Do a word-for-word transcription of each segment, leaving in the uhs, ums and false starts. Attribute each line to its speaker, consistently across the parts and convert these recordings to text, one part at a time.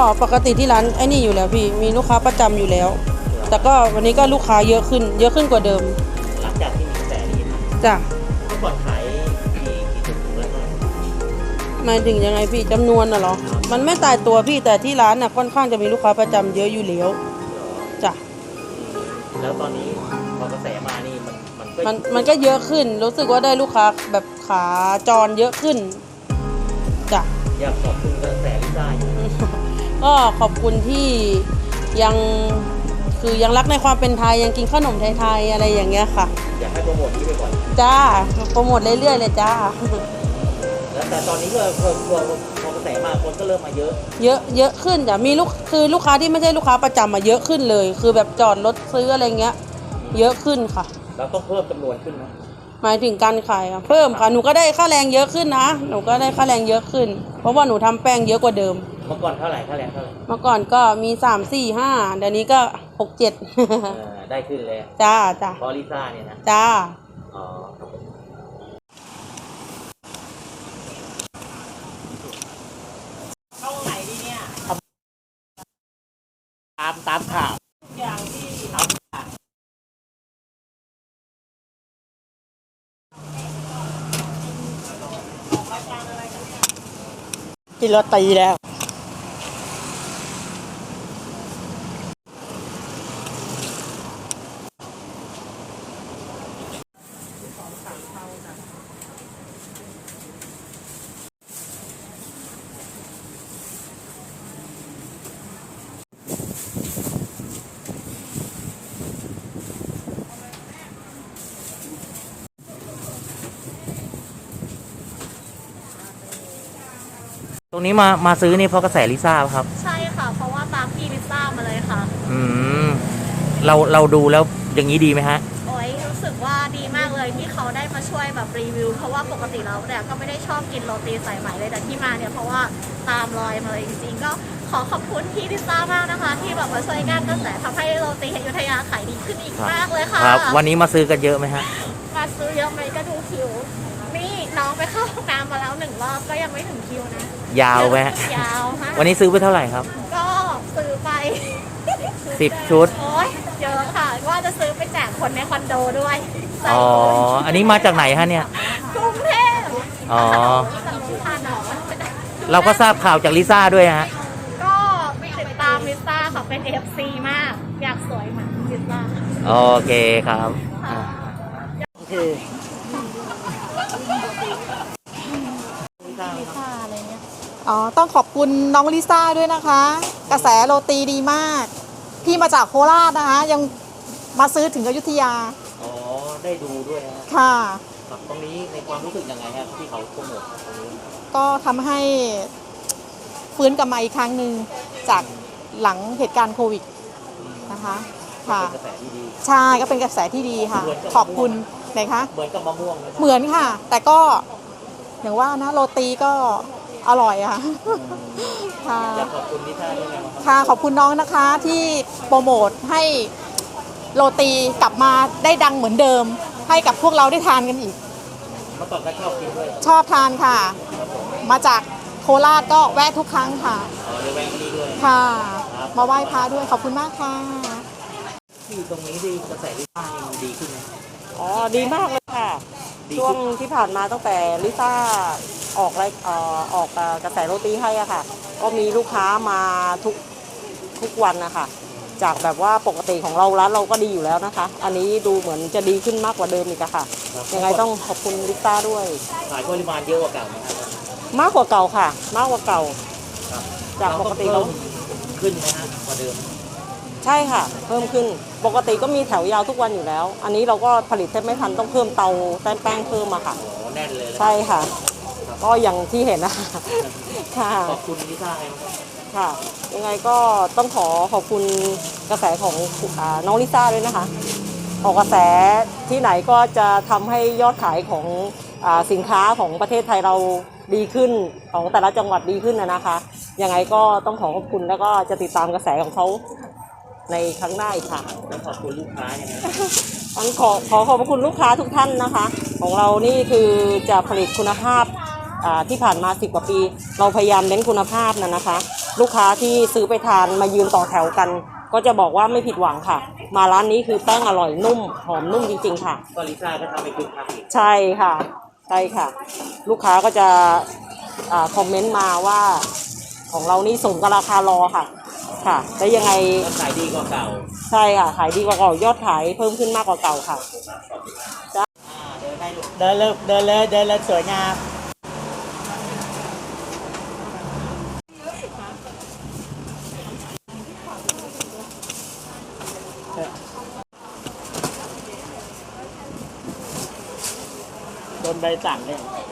Speaker 1: ปกติที่ร้านไอ้นี่อยู่แล้วพี่มีลูกค้าประจำอยู่แล้วแต่ก็วันนี้ก็ลูกค้าเยอะขึ้นเยอะขึ้นกว่าเดิม
Speaker 2: หลังจากที่มีกระแสนี้
Speaker 1: จ้ะ
Speaker 2: เมื่อก่อนขายกี่กี่ถุงแล้วก็
Speaker 1: หมายถึงยังไงพี่จำนวนน่ะเหรอมันไม่ตายตัวพี่แต่ที่ร้านน่ะค่อนข้างจะมีลูกค้าประจำเยอะอยู่แล้วจ้ะ
Speaker 2: แล้วตอนนี้พอกระแสมานี่มันมันก็
Speaker 1: มันมันก็เยอะขึ้นรู้สึกว่าได้ลูกค้าแบบขาจรเยอะขึ้นจ้ะ
Speaker 2: อยากขอบคุณกระแสลิซ่าอยู่
Speaker 1: ก็ขอบคุณที่ยังคือยังรักในความเป็นไทยยังกินขนมไทยๆอะไรอย่างเงี้ยค่ะ
Speaker 2: อยากให้โปรโมทที่ไปก่อน
Speaker 1: จ้าโปรโมทเรื่อยๆเลยจ้า
Speaker 2: แล้วแต่ตอนนี้ก็พอพอพอกระแสมาคนก็เริ่มมาเยอะ
Speaker 1: เยอะเยอะขึ้นจ้ะมีลูกคือลูกค้าที่ไม่ใช่ลูกค้าประจำมาเยอะขึ้นเลยคือแบบจอดรถซื้ออะไรเงี้ยเยอะขึ้นค่ะ
Speaker 2: เราต้องเพิ่มจำนวนขึ้นไหม
Speaker 1: หมายถึงการขายค่ะเพิ่มค่ะหนูก็ได้ค่าแรงเยอะขึ้นนะหนูก็ได้ค่าแรงเยอะขึ้นเพราะว่าหนูทำแป้งเยอะกว่าเดิม
Speaker 2: เมื่อก่อนเท่าไหร่ค่าแรงเท่าไหร่
Speaker 1: เมื่อก่อนก็มีสามสี่ห้าเดี๋ยวนี้ก็หกเจ็ด
Speaker 2: ได้ขึ้นเลย
Speaker 1: จ้าจ้า
Speaker 2: เพราะลิซ่าเนี่ยนะ
Speaker 1: จ้า
Speaker 2: อ๋อครับเข้าไหนดีเนี่ยตามตามข่าวอย่างที่ทำ
Speaker 3: กินโรตีแล้ว
Speaker 2: ตรงนี้มามาซื้อนี่เพราะกระแสลิซ่าครับ
Speaker 4: ใช่ค่ะเพราะว่าตามพี่ลิซ่ามาเลยค่ะ
Speaker 2: อืมเราเราดูแล้วอย่างนี้ดีไหมฮะ
Speaker 4: โอ้ยรู้สึกว่าดีมากเลยที่เขาได้มาช่วยแบบรีวิวเพราะว่าปกติเราเนี่ยก็ไม่ได้ชอบกินโรตีสายไหมเลยแต่ที่มาเนี่ยเพราะว่าตามรอยมาเลยจริงๆก็ขอขอบคุณพี่ลิซ่ามากนะคะที่แบบมาช่วยงานกระแสทำให้โรตีอยุธยาขายดีขึ้นอีกมากเลยค่ะ
Speaker 2: ครับวันนี้มาซื้อกันเยอะไหมฮะ
Speaker 4: มาซื้อเยอะไหมก็ดูคิวนี่น้องไปเข้าห้องน้ำมาแล้วหนึ่งรอบก็ยังไม่ถึงคิวนะ
Speaker 2: ยาวไหม
Speaker 4: ยาวฮะ
Speaker 2: วันนี้ซื้อไปเท่าไหร่ครับ
Speaker 4: ก็ซื้อไป
Speaker 2: สิบชุด
Speaker 4: โอ้ยเยอะค่ะว่าจะซื้อไปแจกคนในคอนโดด้วย
Speaker 2: อ๋ออันนี้มาจากไหนฮะเนี่ย
Speaker 4: กรุงเทพ
Speaker 2: อ๋อเราก็ทราบข่าวจากลิซ่าด้วยฮะ
Speaker 4: ก็ติดตามลิซ่าค่ะเป็น เอฟ ซี มากอยากสวยเหมือนลิซ่า
Speaker 2: โอเคครับ
Speaker 3: โอเค
Speaker 4: ลิซ่าอะไรเงี้ย
Speaker 3: อ๋อต้องขอบคุณน้องลิซ่าด้วยนะคะกระแสโรตีดีมากพี่มาจากโคราชนะคะยังมาซื้อถึงอยุธยา
Speaker 2: อ๋อได้ดูด้วยนะ
Speaker 3: ค่ะ
Speaker 2: ตรงนี้ในความรู้สึกยังไงครับที่เขาโปรโมทตรงนี้
Speaker 3: ก็ทำให้ฟื้นกลับมาอีกครั้งหนึ่งจากหลังเหตุการณ์โควิดนะคะค่ะ
Speaker 2: กระแสที่ดี
Speaker 3: ใช่ก็เป็นกระแสที่ดีค่ะขอบคุณไหนคะ
Speaker 2: เหมือนกับมะม่วง
Speaker 3: เหมือนค่ะแต่ก็อย่างว่านะโรตีก็อร่อยค่ะค่ะ
Speaker 2: ขอบคุณที่ท่านด้วยนะครับ
Speaker 3: ค่ะขอบคุณน้องนะคะที่โปรโมทให้โรตีกลับมาได้ดังเหมือนเดิมให้กับพวกเราได้ทานกันอีก
Speaker 2: เมื่อก่อนก็ชอบกินด้วย
Speaker 3: ชอบทานค่ะมาจากโคราชก็แวะทุกครั้งค่ะ
Speaker 2: อ๋อเลยแวะมาด้วย
Speaker 3: ค่ะมาไหว้พระด้วยขอบคุณมากค่ะ
Speaker 2: ที่ตรงนี้ดีกระแสลิซ่ายังดีขึ้นไหม
Speaker 1: อ๋อดีมากเลยค่ะช่วงที่ผ่านมาตั้งแต่ลิซ่าออกอะไรอออกกระแสโรตีให้อะค่ะก็มีลูกค้ามาทุกทุกวันนะคะจากแบบว่าปกติของเราร้านเราก็ดีอยู่แล้วนะคะอันนี้ดูเหมือนจะดีขึ้นมากกว่าเดิมอีกค่ะยังไงต้องขอบคุณลิซ่าด้วย
Speaker 2: ขายปริมาณเยอะกว่าเก่าไหมครับ
Speaker 1: มากกว่าเก่าค่ะมากกว่าเก่าจากปกติเรา
Speaker 2: ขึ้นไหมฮะกว่าเดิม
Speaker 1: ใช่ค่ะเพิ่มขึ้นปกติก็มีแถวยาวทุกวันอยู่แล้วอันนี้เราก็ผลิตแทบไม่ทันต้องเพิ่มเตาแป้งแป้งเพิ่มมาค่ะ
Speaker 2: แน่นเลย
Speaker 1: ใช่ค่ะก็อย่างที่เห็นนะคะค่ะ
Speaker 2: ขอบคุณลิซ่าไง
Speaker 1: ค่ะยังไงก็ต้องขอขอบคุณกระแสของน้องลิซ่าด้วยนะคะออกกระแสที่ไหนก็จะทำให้ยอดขายของสินค้าของประเทศไทยเราดีขึ้นของแต่ละจังหวัดดีขึ้นนะคะยังไงก็ต้องขอขอบคุณแล้วก็จะติดตามกระแสของเขาในครั้งหน้าอีกค่ะ
Speaker 2: แล้วขอบคุณลูกค้ายังไง
Speaker 1: ขอขอขอบคุณลูกค้าทุกท่านนะคะของเรานี่คือจะผลิตคุณภาพที่ผ่านมาสิบกว่าปีเราพยายามเน้นคุณภาพนะนะคะลูกค้าที่ซื้อไปทานมายืนต่อแถวกัน ก็จะบอกว่าไม่ผิดหวังค่ะ มาร้านนี้คือแป้งอร่อยนุ่มหอมนุ่มจริงๆค่ะ
Speaker 2: ก็ลิซ่าก็ทำให้คุณทำอีก
Speaker 1: ใช่ค่ะใช่ค่ะ ลูกค้าก็จะอาคอมเมนต์มาว่าของเรานี่สมกับราคารอค่ะค่ะแล้วยังไง
Speaker 2: ก็ขายดีกว่าเก่า
Speaker 1: ใช่ค่ะขายดีกว่าเก่ายอดขายเพิ่มขึ้นมากกว่าเก่าค่ะ
Speaker 2: อ่าเดินได้ลูกเดินเลยเดินเลยเดินเลยสวยงามโดนใบสั่งเลย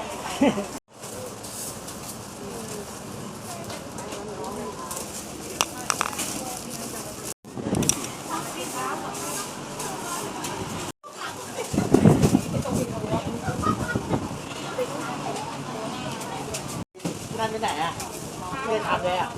Speaker 2: นั่นไปไหนอ่ะไม่ได้ทำเลยอ่ะ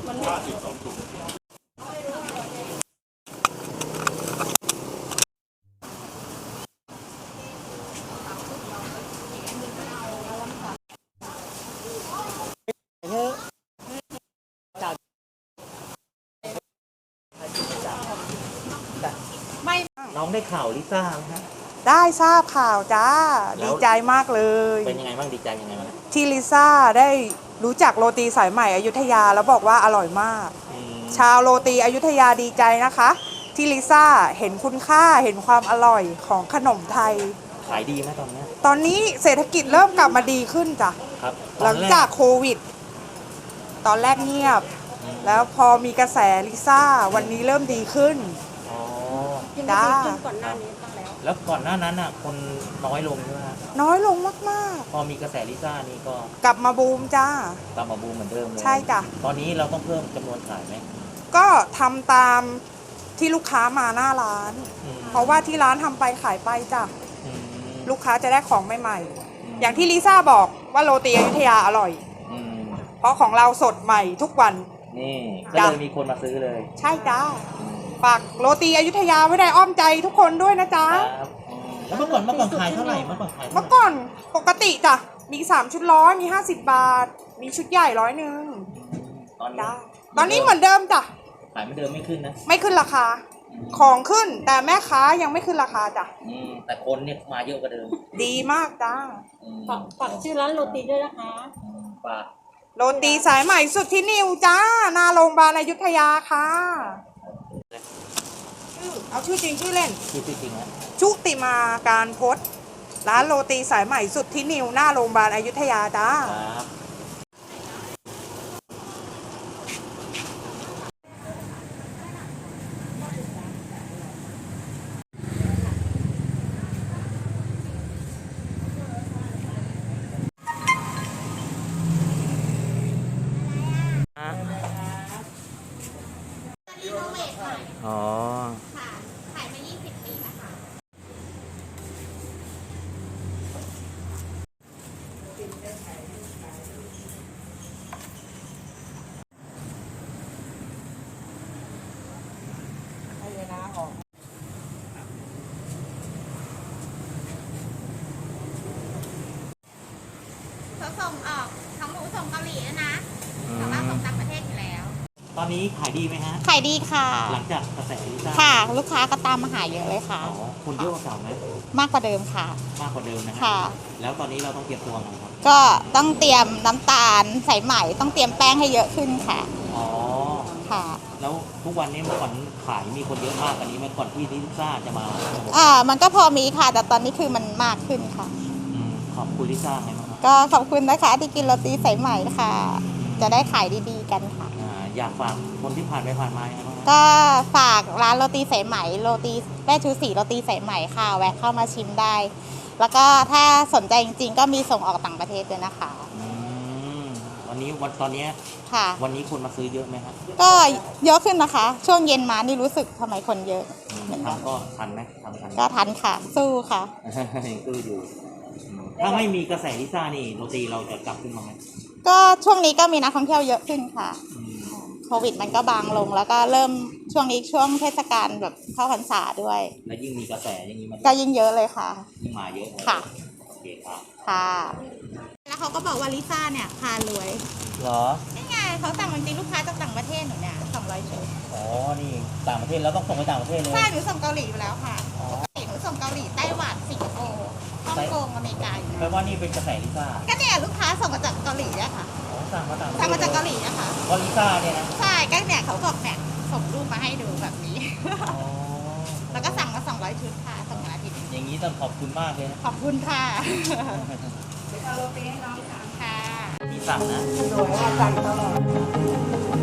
Speaker 2: ไม่น้องได้ข่าวลิซ่าไหมฮะ
Speaker 5: ได้ทราบข่าวจ้า
Speaker 2: แล้ว
Speaker 5: ดีใจมากเลย
Speaker 2: เป็นยังไงบ้างดีใจยังไงบ้าง
Speaker 5: ที่ลิซ่าได้รู้จักโรตีสายใหม่อยุธยาแล้วบอกว่าอร่อยมาก
Speaker 2: อืม
Speaker 5: ชาวโรตีอยุธยาดีใจนะคะ ที่ลิซ่าเห็นคุณค่าเห็นความอร่อยของขนมไทย
Speaker 2: ขายดีไหมตอนเนี้ย
Speaker 5: ตอนนี้เศรษฐกิจเริ่มกลับมาดีขึ้นจ้ะ
Speaker 2: ครับ
Speaker 5: หลังจากโควิด ตอนแรกเงียบ แล้วพอมีกระแสลิซ่าวันนี้เริ่มดีขึ้น
Speaker 2: อ๋อ
Speaker 5: จ้า
Speaker 2: แล้วก่อนหน้านั้นอ่ะคนน้อยลงใช่ไหมฮะ
Speaker 5: น้อยลงมาก
Speaker 2: พอมีกระแสลิซ่านี่ก็
Speaker 5: ๆ กลับมาบูมจ้า
Speaker 2: กลับมาบูมเหมือนเดิมเลย
Speaker 5: ใช่จ้ะ
Speaker 2: ตอนนี้เราต้องเพิ่มจำนวนขายไหม
Speaker 5: ก็ทำตามที่ลูกค้ามาหน้าร้าน
Speaker 2: อืม
Speaker 5: เพราะว่าที่ร้านทำไปขายไปจ้ะ
Speaker 2: อืม
Speaker 5: ลูกค้าจะได้ของใหม่ๆ อย่างที่ลิซ่าบอกว่าโรตีอยุธยาอร่อย
Speaker 2: อืม
Speaker 5: เพราะของเราสดใหม่ทุกวัน
Speaker 2: นี่ก็
Speaker 5: จ้ะ
Speaker 2: เลยมีคนมาซื้อเลย
Speaker 5: ใช่จ้า
Speaker 2: อืม
Speaker 5: ฝากโรตีอยุธยาไว้ในอ้อมใจทุกคนด้วยนะจ๊ะ
Speaker 2: ครับอืมแล้วเมื่อก่อนเมื่อก่อนขายเท่าไหร่เมื่อก่อนขายเท่า
Speaker 5: เมื่อ
Speaker 2: ไหร่
Speaker 5: ก่อนปกติจ้ะ มีสามชุดร้อยมีห้าสิบบาท มีชุดใหญ่ร้อยหนึ่ง
Speaker 2: ตอนนี้
Speaker 5: จ้าตอนนี้เหมือนเดิมจ้ะ
Speaker 2: ขายเหมือนเดิมไม่ขึ้นนะ
Speaker 5: ไม่ขึ้นราคา ของขึ้นแต่แม่ค้ายังไม่ขึ้นราคาจ้ะ
Speaker 2: อืมแต่คนเนี่ยมาเยอะกว่าเดิม
Speaker 5: ดีมากจ้า
Speaker 2: อืม
Speaker 1: ฝากชื่อร้านโรตีด้วยนะคะ
Speaker 2: อืมฝาก
Speaker 5: โรตีสายใหม่สุดที่นิวจ้าหนาโรงพยาบาลอยุธยาค่ะชื่อเอาชื่อจริงชื่อเล่น
Speaker 2: ชื่อจริงๆนะ
Speaker 5: ชุติมาการพจน์ร้านโรตีสายใหม่สุดที่นิวหน้าโรงพยาบาลอยุธยาจ้า
Speaker 2: ครับ
Speaker 4: รีโนเวทใหม่
Speaker 2: อ๋อ
Speaker 4: ค่ะ ขายมา ยี่สิบ ปีแล้วค่ะ เขาส่งออกทั้งหมูส่งเกาหลีด้วยนะแต่ว่าส่งต่างประเทศอยู่แล้ว
Speaker 2: ตอนนี้ขายดีไหมฮะ
Speaker 6: ขายดีค่ะ
Speaker 2: หลังจากกระแสลิซ่า
Speaker 6: ค่ะ ลูกค้าก็ตามมาหาเยอะเลยค่ะ
Speaker 2: อ๋อคนเยอะกว่าเก่าไหม
Speaker 6: มากกว่าเดิมค่ะ
Speaker 2: มากกว่าเดิมนะฮะ
Speaker 6: ค่ะ
Speaker 2: แล้วตอนนี้เราต้องเตรียมตัวไงครับ
Speaker 6: ก็ต้องเตรียมน้ำตาลใส่ไหมต้องเตรียมแป้งให้เยอะขึ้นค่ะ
Speaker 2: อ๋อ
Speaker 6: ค่ะ
Speaker 2: แล้วทุกวันนี้เมื่อก่อนขายมีคนเยอะมากกว่านี้ไหมก่อนที่ลิซ่าจะมา
Speaker 6: อ่า มันก็พอมีค่ะ แต่ตอนนี้คือมันมากขึ้นค่ะ
Speaker 2: อืมขอบคุณลิซ่าไงบ้างครับ
Speaker 6: ก็ขอบคุณนะคะที่กินโรตีสายไหมค่ะ จะได้ขายดีๆกันค่ะ
Speaker 2: อ่าอยากฝากคนที่ผ่านไปผ่านมายังไงบ้างครับ
Speaker 6: ก็ฝากร้านโรตีสายไหมโรตีแม่ชูศรีโรตีสายไหมค่ะ แวะเข้ามาชิมได้ แล้วก็ถ้าสนใจจริงๆ ก็มีส่งออกต่างประเทศด้วยนะคะ
Speaker 2: อืมวันนี้วันตอนเนี้ย
Speaker 6: ค่ะ
Speaker 2: วันนี้คนมาซื้อเยอะไหมครับ
Speaker 6: ก็เยอะขึ้นนะคะ ช่วงเย็นมานี่รู้สึกทำไมคนเยอะ
Speaker 2: อืม
Speaker 6: เหมือนกัน
Speaker 2: ทำก็ทันไหมทำทันไหม
Speaker 6: ก็ทันค่ะ สู้ค่ะ
Speaker 2: ยังซื้ออยู่อืมถ้าไม่มีกระแสลิซ่านี่โรตีเราจะกลับขึ้นมาไหม
Speaker 6: ก็ช่วงนี้ก็มีนักท่องเที่ยวเยอะขึ้นค่ะ
Speaker 2: อืม
Speaker 6: โควิดมันก็บางลง แล้วก็เริ่มช่วงนี้ช่วงเทศกาลแบบเข้าพรรษาด้วย
Speaker 2: และยิ่งมีกระแสอย่างนี้มัน
Speaker 6: ก็ยิ่งเยอะเลยค่ะ
Speaker 2: ยิ่งมาเยอะเลย
Speaker 6: ค่ะ
Speaker 2: โอเคครับ
Speaker 6: ค่ะ แล้วเขาก็บอกว่าลิซ่าเนี่ยพารวย
Speaker 2: เหรอ
Speaker 6: นี่ไงเขาสั่งจริงๆลูกค้าจากต่างประเทศหนูเนี่ยสองร้อยชุด
Speaker 2: อ๋อ นี่ต่างประเทศแล้วต้องส่งไปต่างประเทศเลย
Speaker 6: ใช่หนูส่งเกาหลีไปแล้วค่ะ
Speaker 2: อ๋อ
Speaker 6: ปกติหนูส่งเกาหลีไต้หวันสิงคโปร์ฮ่องกงอเมริกาอยู่
Speaker 2: แปล
Speaker 6: นะ
Speaker 2: ว่านี่เป็นกระแสลิซ่า
Speaker 6: ก็เนี่ยลูกค้าส่งมาจากเกาหลีอะค่ะ
Speaker 2: อ๋อสั่งมาต่างประเทศ
Speaker 6: สั่งมาจากเกาหลีนะคะ
Speaker 2: เพราะลิซ่าเนี่ยนะ
Speaker 6: ใช่ก็เนี่ยเขาบอกเนี่ยส่งรูปมาให้ดูแบบนี้
Speaker 2: อ๋อ
Speaker 6: แล้วก็สั่งมาสองร้อยชุดค่ะส่งมาอาทิตย์นี้
Speaker 2: อย่างนี้ต้องขอบคุณมากเลยนะ
Speaker 6: ขอบคุณค่ะ
Speaker 5: เอาโรตีให้น้องค่ะ
Speaker 6: ค่ะ
Speaker 2: ที่สั่งนะ
Speaker 5: สวยว่าสั่งตลอด